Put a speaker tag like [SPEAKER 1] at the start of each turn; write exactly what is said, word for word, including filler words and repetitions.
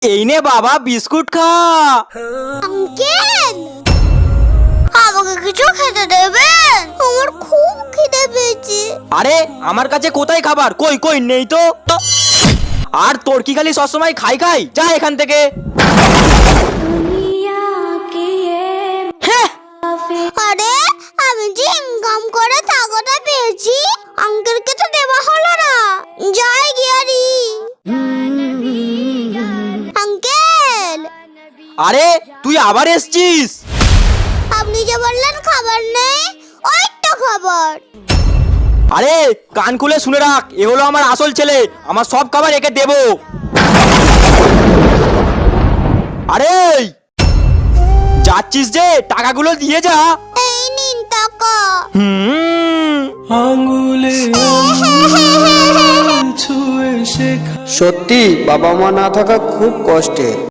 [SPEAKER 1] এই নে বাবা বিস্কুট খা।
[SPEAKER 2] আঙ্কেল, আমাকে কিছু খেতে দেবেন? আমার খুব খিদে পেয়েছে।
[SPEAKER 1] আরে আমার কাছে কোথায় খাবার, কই কই নেই তো। আর তোর কি খালি সবসময় খাই খাই, যা এখান থেকে। হ্যাঁ,
[SPEAKER 2] আরে আমি যে ইনকাম করে টাকাটা পেয়েছি, আঙ্কেলকে তো দেওয়া হলো না। যাই গিয়ারি। আঙ্কেল,
[SPEAKER 1] আরে তুই আবার এসছিস?
[SPEAKER 2] আপনি যে বললেন খাবার নেই, ওই তো খাবার।
[SPEAKER 1] আরে কান খুলে শুনে রাখ, এ হলো আমার আসল ছেলে, আমার সব খাবার একে দেবো। আরে যাচ্ছিস যে, টাকাগুলো দিয়ে যা।
[SPEAKER 2] এই নিন টাকা।
[SPEAKER 1] হুম,
[SPEAKER 3] আঙ্গুলে ছুঁয়ে শেখা।
[SPEAKER 4] সত্যি বাবা মা না থাকা খুব কষ্টের।